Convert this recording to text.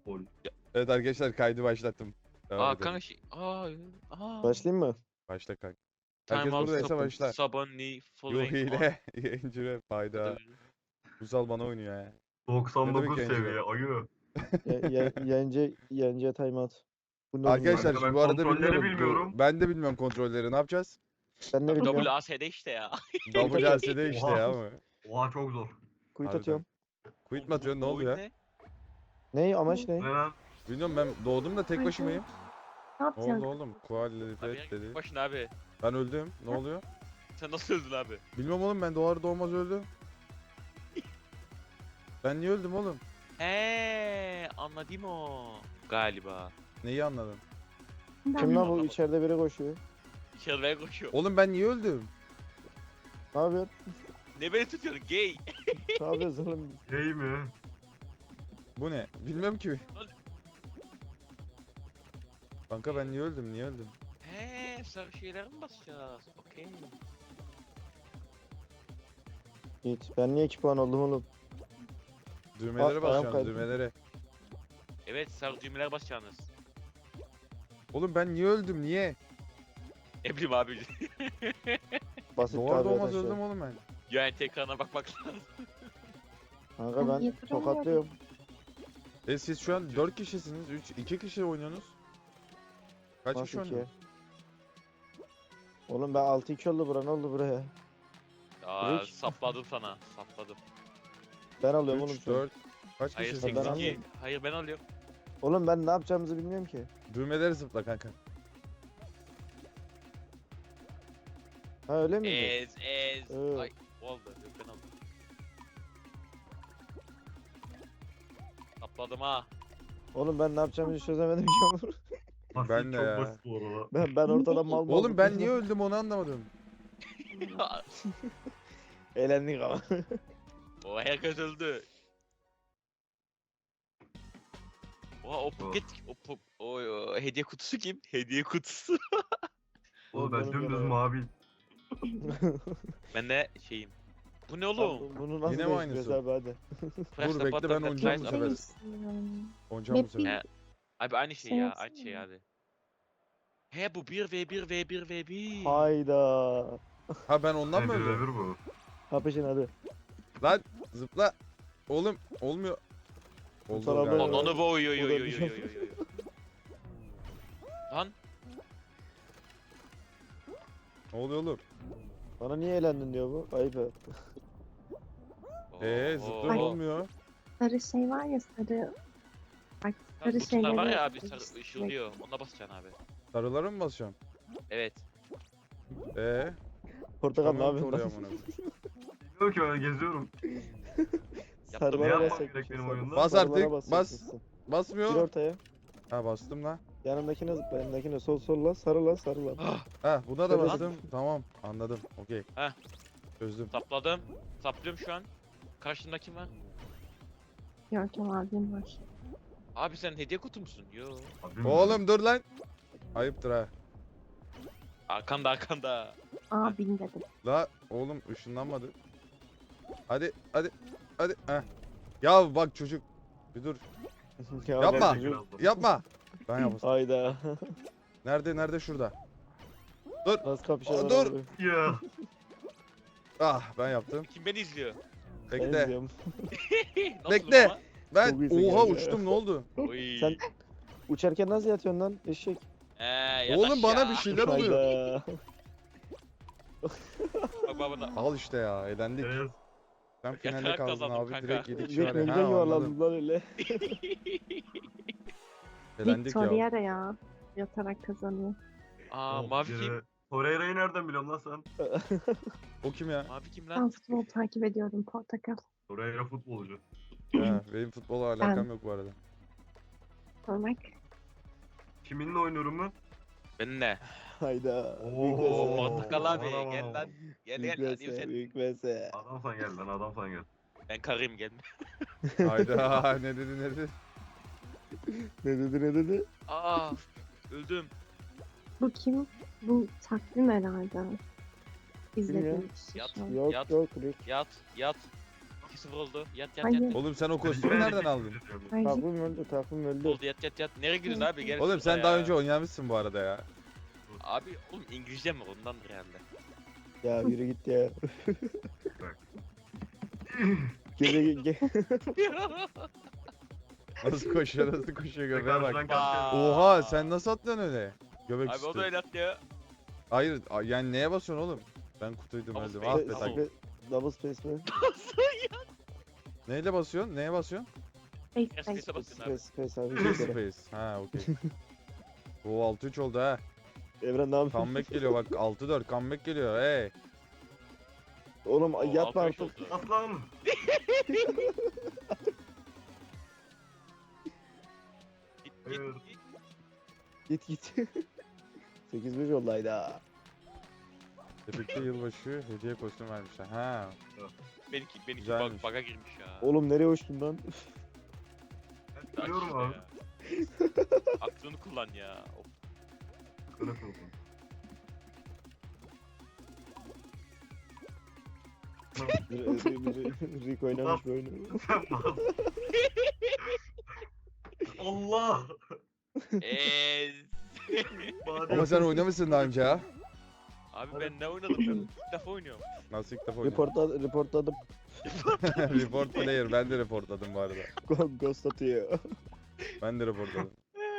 Gol. Evet arkadaşlar kaydı başlattım. Devam Aa edelim. kanka şey. Başlayayım mı? Başla kanka. Time Herkes out buradaysa stop. başla. Sabani Yo following hile. Yayıncı ve fayda. on. Uzal bana oynuyor ya. Ne demek 99 yayıncı seviye ayı. Yence timeout. Bu ne Arkadaşlar Kanka şimdi ben bu arada kontrolleri bilmiyorum. bilmiyorum. Ben de bilmiyorum kontrolleri. Ne yapacağız? Ben ne Abi bileyim ya. WASD işte ya. WLC'de işte Oha. ya mı? Oha çok zor. Kuyut Harbiden. atıyorum. Quit mi atıyorsun? Ne Bu oldu oyun ya? ne? Ne amaç ne? Ne lan? Bilmiyorum ben doğdum da tek Ay, başımayım. Ne Ne oldu yapacaksın? oğlum? Abi Kualifet dedi. ya başına abi. Ben öldüm. Ne oluyor? Sen nasıl öldün abi? Bilmiyorum oğlum ben doğar doğmaz öldüm. Ben niye öldüm oğlum? Anladım o. Galiba. Neyi anladın? Ben Kim lan bu Anlamadım. içeride biri koşuyor. İçeride koşuyor. Oğlum ben niye öldüm? Ne yapıyorsun? Ne beni tutuyorsun gay? Ne yapıyorsun oğlum? Hey mi? Bu ne? Bilmem ki. Kanka ben niye öldüm? Niye öldüm? Sarı şeylere mi basacağız? Okey. Git. Ben niye 2 puan oldum oğlum? Düğmelere ayağım basacağım kaydı. düğmelere. Evet sarı düğmelere basacaksınız. Oğlum ben niye öldüm? Niye? Ne bileyim abi. Basit Doğar tabi doğmaz arkadaşlar. öldüm oğlum ben. Yani tekrarına bakmak lazım. Kanka Ben ben yatırıyorum. tokatlıyorum. Siz şu an 4 kişisiniz. 2 kişi oynuyorsunuz. Kaç kişi Nasıl ki? oynuyorsunuz? Oğlum ben 6-2 oldu bura, ne oldu buraya? Aa Hiç. sapladım sana. Sapladım. Ben alıyorum oğlum 3, şu an. 4. Kaç Hayır kişisiniz? Ben 8 2. anladım. Hayır ben alıyorum. Oğlum ben ne yapacağımızı bilmiyorum ki. Düğmeleri zıpla kanka. Ha öyle miydi? Ez. Evet. Ay oldu. Yok ben aldım. Sapladım ha. Oğlum ben ne yapacağımızı çözemedim ki oğlum. Basit, Ben de çok ya. basit bu arada. Ben ortada mal mal. Oğlum ben niye öldüm onu anlamadım. Eğlendik ama. O herkes öldü. Oha o paket o hediye kutusu kim? Hediye kutusu. Oğlum ben Benim dümdüz görev. mavi. Ben de şeyim. Bu ne oğlum? Bunu nasıl Yine mi değiştiriyoruz aynısı? abi hadi. Press Dur, the bekle, button ben that oynayacağım lights bu up. sefer. Oynayacağım bu sefer. He, abi aynı şey Sen ya, yapsana aynı şey ya. abi. He bu 1v1. Hayda. Ha ben ondan Ne mı öldüm? birebir bu. Kapışın hadi. Lan zıpla. Oğlum olmuyor. Oldu Sana galiba. böyle- Onu bu oy. Bu da bir şey. Lan Ne oluyor oğlum? Bana niye eğlendin diyor bu. Ayıp ya. Zıplıyorum Ay. olmuyor. Sarı şey var ya sarı. Bak sarı Butonlar var şeyleri. ya abi sarı ışıldıyor. Ona basacaksın abi. Sarılara mı basacağım? Evet. Portakal ne Tamam ki yapıyorsun oraya lan? amına koyayım. Bilmiyorum ki ben geziyorum. Ne Sarılara yapmam basacakmışsın, gerek benim sarı- oyunda? Bas sarılara artık, basacakmışsın. Gir Basmıyor. ortaya. Ha bastım lan. Yanındakine zıpla, yanındakine sol la, sarı la, sarı la. Ha buna da Şöyle bastım. Tamam anladım. Okey. Heh. Çözdüm. Sapladım. Saplıyorum şu an. Karşında kim var? Görkem abim var. Abi sen hediye kutu musun? Yo. Abi, Oğlum dur lan. Ayıptır ha. Arkanda. Abin dedim. La oğlum ışınlanmadı. Hadi. Heh. Ya bak çocuk. Bir dur. Ya Yapma. bak, Teşekkür ederim. Yapma. Ben yapayım. Hayda. Nerede şurada? Nasıl kapışıyorlar Dur. abi? Ya. Ah ben yaptım. Kim beni izliyor? Ben Bekle. izliyorum. Nasılım Bekle. ama? Ben Çok iyisin oha kanka. uçtum ne oldu? Oy. Sen- Uçarken nasıl yatıyorsun lan eşek? Yat Oğlum bana aşağı. bir şeyler oluyor. Hayda. Bak bana. Al işte ya eğlendik. Evet. Sen finalde Yatarak kaldın kazandım abi kanka. direkt 7 kişi Bir var ya. güzel Ha anladım. yuvarlandım lan öyle. Eğlendik ya. Victoria ya. Yatarak kazanıyor. Aa mavi kim? Torreira'yı nereden biliyorsun lan sen? O kim ya? Mavi kim Ben lan? futbol takip ediyorum portakal. Torreira futbolcu. Ha, benim futbola alakam yok bu arada. Olmak. Kiminle oynuyorum ben? Ben ne? Hayda. Oo, Portakal abi aman gel aman. lan. Gel Büyük gel. Hadi vs, sen. büyük vs. Adam sen gel lan adam sen gel. Ben karıyım gelme. Hayda ne dedi. Ne dedi ne dedi? Aa öldüm. Bu kim? Bu takvim herhalde. Bilmiyorum. İzlediğim kişi Yat. şu an. Yok Yat. yok Rick. Yat. 2-0 oldu. Yat yat Hayır. yat. Oğlum sen o kostümü nereden aldın? Hayır. Takvim öldü. Oldu yat yat yat. Nereye gidiyorsun abi? Gel Oğlum şurada sen ya. daha önce oynamışsın bu arada ya. Abi oğlum İngilizce mi ondandır herhalde. Ya yürü git ya. Bak. Gece Nasıl koşuyor göbeğe bak. Karşıdan karşıya. Oha sen nasıl atlıyorsun öyle? Göbek Abi o üstü. da öyle attı ya. Hayır yani neye basıyorsun oğlum? Ben kutuydum Double öldüm. space, Ah be double. tak. Double space mi? Neyle basıyorsun? Neye basıyorsun? Space, Space'e space. basın abi. Space abi. bir kere. Space. Ha okey. O 6-3 oldu ha. Evren ne yapıyorsun? Comeback geliyor bak 6-4 comeback geliyor hey. Oğlum Oo, yatma 6-5 artık. oldu. Aslan. Git Evet. git. Git. 8-5 oldu hayda. Tepekte yılbaşı hediye kostüm vermişler. Ha. Benimki Güzelmiş. bug'a girmiş ya. Oğlum nereye uçtun lan? Ben biliyorum işte abi. ya. Aklını kullan ya. Of. Kına soğukun. Rick oynamış bu oyunu. Sen mal. Allah. Ama sen oynamışsın daha önce ha. Abi ben ne oynadım? Ben ilk defa oynuyorum. Nasıl ilk defa oynadın? Reportladım. Report player ben de reportladım bu arada. Ghost atıyor. Ben de reportladım.